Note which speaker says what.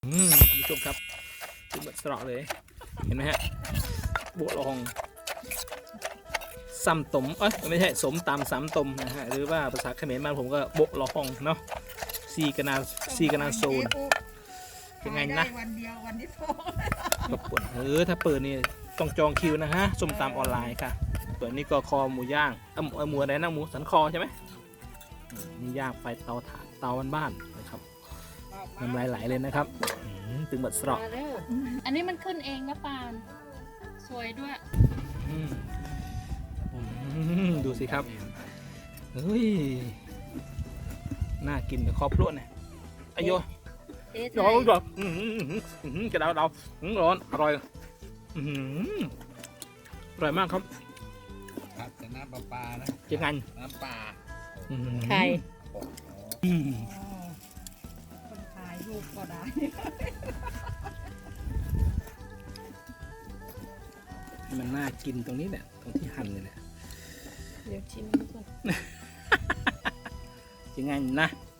Speaker 1: คุณผู้ชมครับดูแบบสระเลยเห็นไหมฮะบัวลองซ้ำตมไม่ใช่สมตำซ้ำตมนะฮะหรือว่าภาษาเขมรบ้านผมก็โบะลองเนาะซีกนาโซนยังไงนะ
Speaker 2: วันเดียววันที่สอง
Speaker 1: ก็เปิดถ้าเปิดนี่ต้องจองคิวนะฮะส้มตำออนไลน์ค่ะเปิดนี่ก็คอหมูย่างหมูอะไรนะหมูสันคอใช่ไหมนี่ย่างไฟเตาถ่านเตาบ้านๆนะครับน้ำลายไหลเลยนะครับตึงบัดสระ
Speaker 3: อันนี้มันขึ้นเองนะปานสวยด้วย
Speaker 1: ดูสิครับเฮ้ยน่ากินกับครอบครัวเนี่ยอายุร้อนร้อนกระดาษร้อนอร่อยอร่อยมากครับ
Speaker 4: ครับแต่น้ำปลานะ
Speaker 1: ยังไง
Speaker 4: น้ำปลา
Speaker 3: ไข่
Speaker 2: คนถ่ายรูปก็ได้
Speaker 1: มันน่ากินตรงนี้แหละตรงที่หั่นเลยแหละ
Speaker 3: เดี๋ยวชิมดูก่อน
Speaker 1: ยังไงนะ